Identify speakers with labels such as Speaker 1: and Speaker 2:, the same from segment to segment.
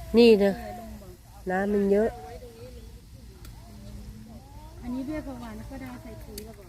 Speaker 1: นี่นะน้ำมันเยอะ
Speaker 2: อันนี้เบี้ยประวันก็ได้ใส่ปุ๋ยแล้วบ่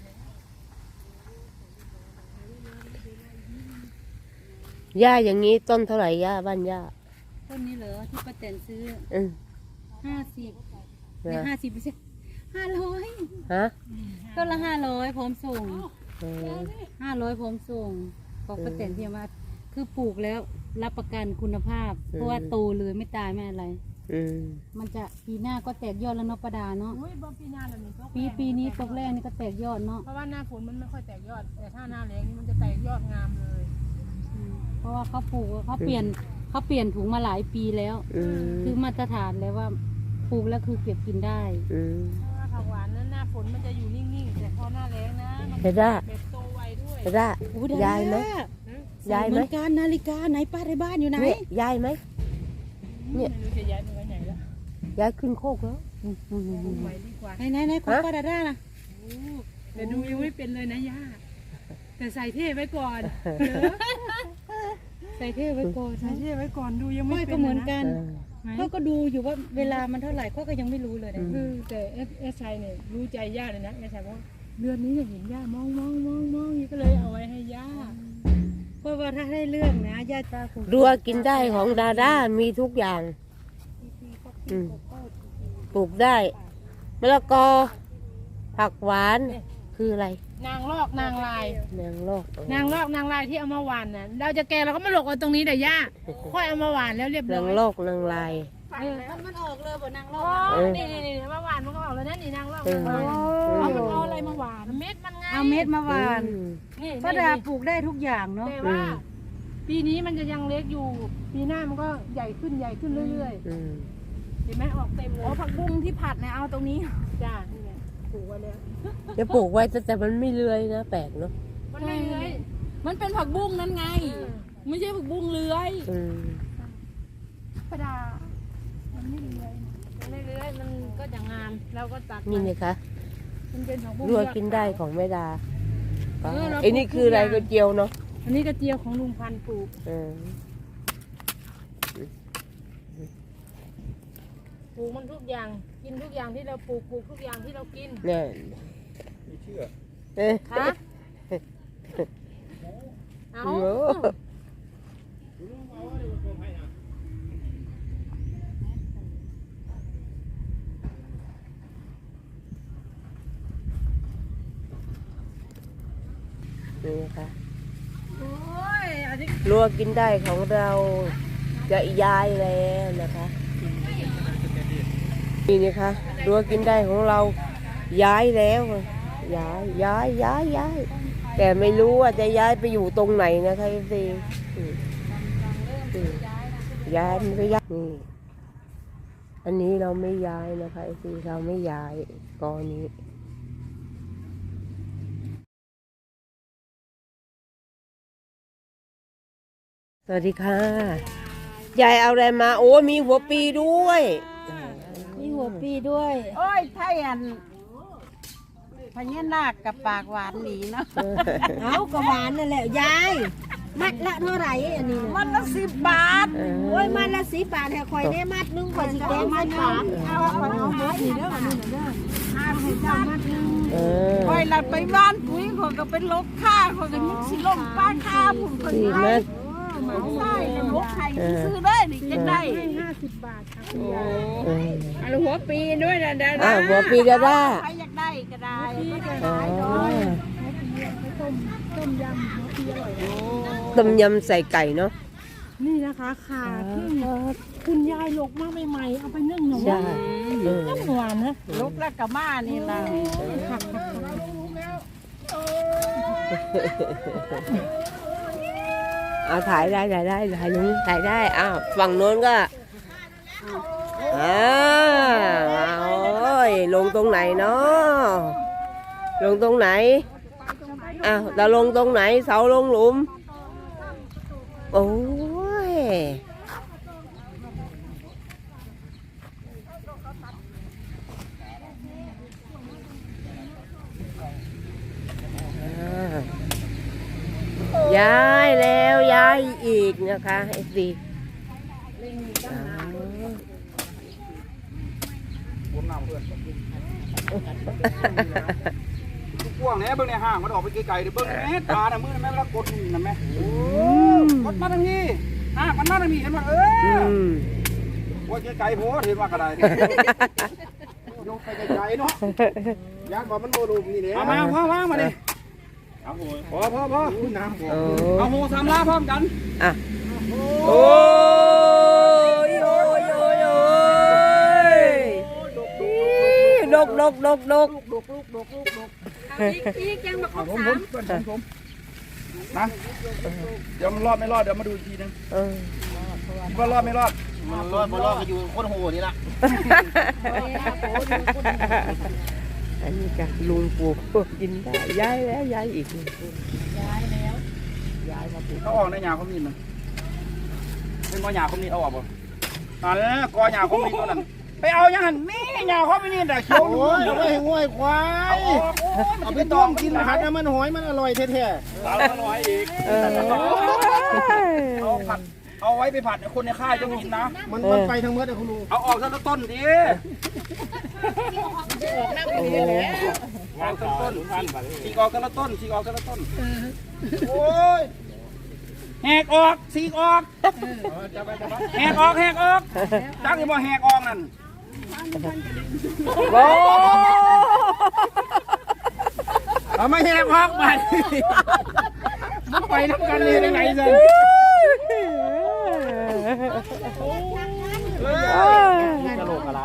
Speaker 1: หญ้าอย่างนี้ต้นเท่าไหร่หญ้าบ้านหญ้า
Speaker 2: ต้นนี้เหรอที่ป้าแตนซื้อ
Speaker 1: อืม
Speaker 2: 50เนี่ย50ไม่ใช่500
Speaker 1: ฮะ
Speaker 2: ต้นละ500พร้อมส่ง
Speaker 1: เออ
Speaker 2: 500พร้อมส่งบอกป้าแตนที่ว่าคือปลูกแล้วรับประกันคุณภาพ เพราะว่าโตเลยไม่ตายไม่อะไร
Speaker 1: อืม
Speaker 2: มันจะปีหน้าก็แตกยอดแล้วเนาะประดาเนาะ
Speaker 3: อุ้ยบ่ปีหน้าแล้วนี่ก็
Speaker 2: ปีนี้ตกแรกนี่ก็แตกยอดเนาะ
Speaker 3: เพราะว่าหน้าฝนมันไม่ค่อยแตกยอด แต่ถ้าหน้าแล้งนี่มันจะแตกยอดงามเลย
Speaker 2: เพราะว่าเขาปลูกเขาเปลี่ยนถุงมาหลายปีแล้ว
Speaker 1: อืม
Speaker 2: คือมาตรฐานแล้วว่าปลูกแล้วคือเก็บกินได้
Speaker 1: อืม
Speaker 3: เพราะว่าผักหวานนั้นหน้าฝนมันจะอยู่นิ่งๆ แต่พอหน้าแล้งนะมัน
Speaker 1: เห็นได้
Speaker 3: แบบโตไวด้วย
Speaker 1: เห็นได้ยายไหมยาย
Speaker 2: เห
Speaker 1: ไหม
Speaker 2: มือนกันนาฬิกาไหนป้าในบ้านอยู่ไหน
Speaker 1: เนี่ยยายไหม
Speaker 3: ไม่รู้จะย้ายไปไว้ไหนแล้ว
Speaker 1: ยายขึ้นโคกแล้ว
Speaker 3: ปลูกใหม่ดีกว่า
Speaker 2: ไหนของป้าดาด้านะ
Speaker 3: แต่ดูยังไม่เป็นเลยนะย่า แต่ใส่เท่ไว้ก่อน
Speaker 2: ใส่เท่ไว้ก่อน
Speaker 3: ใส่เท่ไว้ก่อนดูยังไม่
Speaker 2: ค่อย
Speaker 3: เป็
Speaker 2: ก็
Speaker 3: น
Speaker 2: เหมือน
Speaker 3: ลยะ
Speaker 2: กัน
Speaker 1: เออ
Speaker 2: เขาก็ดูอยู่ว่าเวลามันเท่าไหร่เขาก็ยังไม่รู้เลยนะ
Speaker 3: แต่เอสชัยเนี่ยรู้ใจย่าเลยนะเอสชัยบอกว่าเดือนนี้จะเห็นย่ามองก็เลยเอาไว้ให้ย่า
Speaker 2: เพราะว่าถ้าได้เรื่องนะญาติตาคง
Speaker 1: รัวกินได้ของดาด้ามีทุกอย่างอืมปลูกได้มะละกอผักหวานคืออะไร
Speaker 3: นางลอกนางลาย
Speaker 1: นางลอก
Speaker 3: นางลอกนางลายที่เอามาหวานน่ะเราจะแกะเราก็มาหลกเอาตรงนี้แต่ย่าค่อยเอามาหวานแล้วเรียบร้
Speaker 1: นา
Speaker 3: องย
Speaker 1: ลอกนางลาย
Speaker 2: มันออกเลยบ่นางรอ
Speaker 3: โอ้
Speaker 2: บ
Speaker 3: นี่มาหวานมันก็ออกแล้วนั่นนี่นางลอก
Speaker 1: เออ
Speaker 3: นางลาย
Speaker 1: เออ
Speaker 3: เอามันเอาอะไรมาหวานเม็ดมันไง
Speaker 2: เอาเม็ดมาหวาน
Speaker 1: อืม
Speaker 3: นี่
Speaker 2: ป้าดาปลูกได้ทุกอย่างเนาะ
Speaker 3: แต่ว่า ปีนี้มันจะยังเล็กอยู่ ปีหน้ามันก็ใหญ่ขึ้นเรื่อย
Speaker 1: อืม
Speaker 3: ๆเห็นไหมออกเต็มเลย
Speaker 2: ผักบุ้งที่ผัดเนี่ยเอาตรงนี้
Speaker 3: จ้านี่แหละปลูกไว้แล้ว
Speaker 1: จะปลูกไว้แต่มันไม่เลื้อยนะแปลกเนาะ
Speaker 3: มันไม่เลื้อย
Speaker 2: มันเป็นผักบุ้งนั่นไง ไม่ใช่ผักบุ้งเลื้อย
Speaker 1: อืม
Speaker 3: ประดามันไม่เลื้อยมันไม่เลื้อยมันก็จะงามเราก็ตัด
Speaker 1: นี่นะคะ
Speaker 3: มันเป็นของบุ้ง
Speaker 1: รัวกินได้ของแม่ดา
Speaker 3: เรา
Speaker 1: ไอ้นี่คืออะไรก็เจียวเนาะ
Speaker 3: อันนี้กระเจียวของลุงพันธุ์ปลูก
Speaker 1: เออ
Speaker 3: ปลูกมันทุกอย่าง กินทุกอย่างที่เราปลูกทุกอย่างที่เรากิน
Speaker 1: เนี่ย
Speaker 4: ไม่เชื่อ
Speaker 1: เอ๊ะ
Speaker 3: คะเอา
Speaker 1: โอ้ นี่นะคะ
Speaker 3: โอ้ยอันนี้
Speaker 1: รัวกินได้ของเราจะย้ายแล้วนะคะนี่นะคะรัวกินได้ของเราย้ายแล้วย้ายแต่ไม่รู้ว่าจะย้ายไปอยู่ตรงไหนนะคะสิย้ายมันก็ย้ายนี่อันนี้เราไม่ย้ายนะคะสิเราไม่ย้ายกอนี้สวัสดีค่ะ ยายเอาอะไรมา โอ้มีหัวปีด้วย
Speaker 2: มีหัวปีด้วย
Speaker 5: โอ้ยไทยอันพญานาคกับปากหวานหนีเนาะ
Speaker 2: เอากระหวานนั่นแหละยายมัดละเท่าไหร่อันนี้
Speaker 5: มันละ10 บาท
Speaker 2: โอ้ยมัดละ10 บาทให้คอยได้มัดนึงกว่าสิแกงมัดบาท
Speaker 5: เอาคนเอาหมดนี่เด้อนี่เด้อ50 บาท
Speaker 1: เออ
Speaker 5: คอยหลัดไปบ้านปุ๋ยคนก็เป็นลกค่าคนก็ยังสิลงป้าค่าผมคน
Speaker 1: สี่
Speaker 5: ไท
Speaker 1: เม็
Speaker 5: ย
Speaker 1: ด
Speaker 5: ใช่ลกไทยซื้อได้นี่จะได้
Speaker 3: 50 บาทค่ะ
Speaker 1: เออ
Speaker 3: อันหัวปีด้วยนะเด้อ
Speaker 1: อ่ะหัวปีดาด้า
Speaker 5: ใครอยากได้ก็ได้
Speaker 1: อ๋อ
Speaker 3: ต้มยำหัวปีอร่อยนะ
Speaker 1: ต้มยำใส่ไก่เนาะ
Speaker 3: นี่นะคะขาพึ่งคุณยายหลกมาใหม่ๆเอาไปนึ่งหน่อย
Speaker 1: ใช่เออ
Speaker 3: น้ำหวานนะ
Speaker 5: ลกแล้วก็มานี่ล่ะ
Speaker 1: เอาถ่ายได้ถ่ายนู้นถ่ายได้อ้าวฝั่งโน้นก็โอ้ยลงตรงไหนเนาะลงตรงไหนอ้าวเราลงตรงไหนเสาลงหลุมโอ้ยย้ายแล้วย้ายอีกนะคะไอ้สิ
Speaker 4: น้ำเพื่อนกว้างเนี่ยเบิ้งในห้างมันออกไปไกลๆเดี๋ยวเบิ้งแม่ตาน่ะมือแม่แล้วกดนี่นะแม่กดมาทางนี้ห้างมันมาทางนี้เห็นว่าว่าไกลๆโพดเห็นว่ากระไดยกไปไกลๆเนาะยากว่ามันโบลูมนี่เนี่ยมาว่างมาดิพอน้ำเอาโหสามลาพร้อมกัน
Speaker 1: อ่ะโอ้ยโอ้ยโอ้ยโอ้ยดก
Speaker 3: อีกยังมาครบ
Speaker 4: ผมนะเดี๋ยวมันรอดไม่รอดเดี๋ยวมาดูอีกทีนึงว่ารอดไม่รอดมันรอดไม่รอดก็อยู่คนโหนี่ละ
Speaker 1: อันนี้ก็ลุงปลูกกินได้ย้ายแล้วย้ายอีก
Speaker 4: เขาออกในหญ้าเขามีมันเป็นกอหญ้าเขามีเอาออกบ่นั่นแหละกอหญ้าเขามีตัวนั้นไปเอาอย่างนั้นนี่หญ้าเขาไม่นี่แต่เขียวโอ้ยไม่ให้ง่วยควายเอาไปต้มกินผัดน้ำมันหอยมันอร่อยแท้ๆอร่อยอีกเอาผัดเอาไว้ไปผัดคนในค่ายจะกินนะมันไปทั้งเมื่อเดี๋ยวคุณลุงเอาออกซะต้นดิวางต้นฉีกออกกันละต้นฉีกออกกันละต้นโอ้ยแหกออกฉีกออกแหกออกจักยังบ่แหกออกนั่นโอ้เอาไม่แหกออกมามันไปน้ำกันเลยได้ไงสิกระโหลกอะไร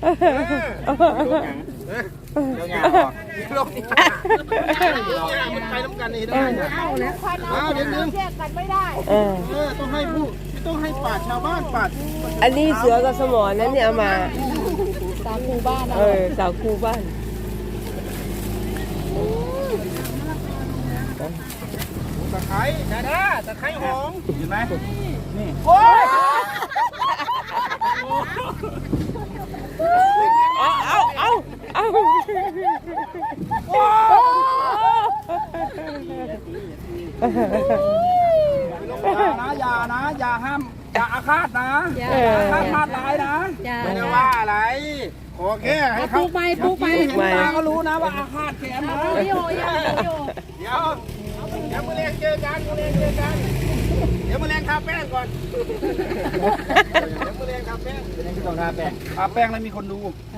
Speaker 4: เดี๋ยวงานออกโลกนี้มันไปน้ำกันนี่ได้เอาแล้วเดี๋ยวนึงแยกกันไม่ได้ต้องให้ผู้ต้องให้ป่าชาวบ้านป่า
Speaker 1: อันนี้เสือกับสมอนั้นเนี่ยเอามา
Speaker 2: สาวคูบ้าน
Speaker 1: สาวคูบ้าน
Speaker 4: ตะไคร้ตะไคร้หอมเห็นไหมนี่โอ้ย
Speaker 1: เอาอย่าห้ามอย่าอาฆาตนะอาฆาตร้ายนะไม่ได้ว่าอะไรขอแค่ให้เขา
Speaker 2: ปลูกใหม่
Speaker 1: มา
Speaker 4: ตาก็รู้นะว่าอาฆาตแขนนะเดี๋ยวมือแรงเจอกันเดี๋ยวมือแรงทาแป้งก่อนเดี๋ยวมือแรงทาแป้งต้องทาแป้งแล้วมีคนดู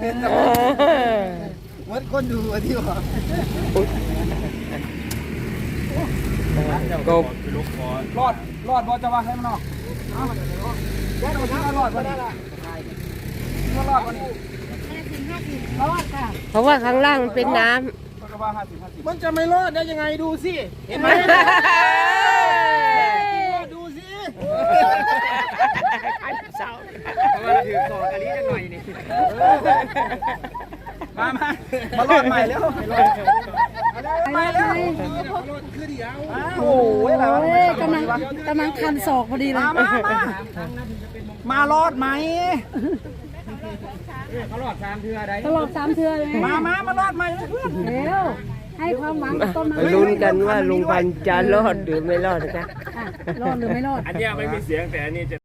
Speaker 4: เหมือนคนดูที่ว่ากบรอดบอจะว่าให้มันออกแค่ตัวนี้รอดบอได้ละรอดบอนี้รอดค่ะ
Speaker 1: เพราะว่าข้างล่างมันเป็นน้ำ
Speaker 4: มันจะไม่รอดได้ยังไงดูสิเห็นไหมดูสิเพราะว่าเราถือต่อกันนี้จะหน่อยนี่มารอดใหม่แล้วไปแล้วโอ้ยอะไรวะ
Speaker 2: กำลังคันศอกพอดีเลย
Speaker 4: มารอดไหม
Speaker 2: ตลอด3 เทื่อเลย
Speaker 4: มารอดไหมเพื่อน
Speaker 2: เร็วให้ความหวังกับต้นไม้
Speaker 1: ลุ้นกันว่าลุงพันธุ์จะรอดหรือไม่รอดนะคะ
Speaker 2: รอดหรือไม่รอด
Speaker 6: อันนี้ไม่มีเสียงแต่อันนี้จะ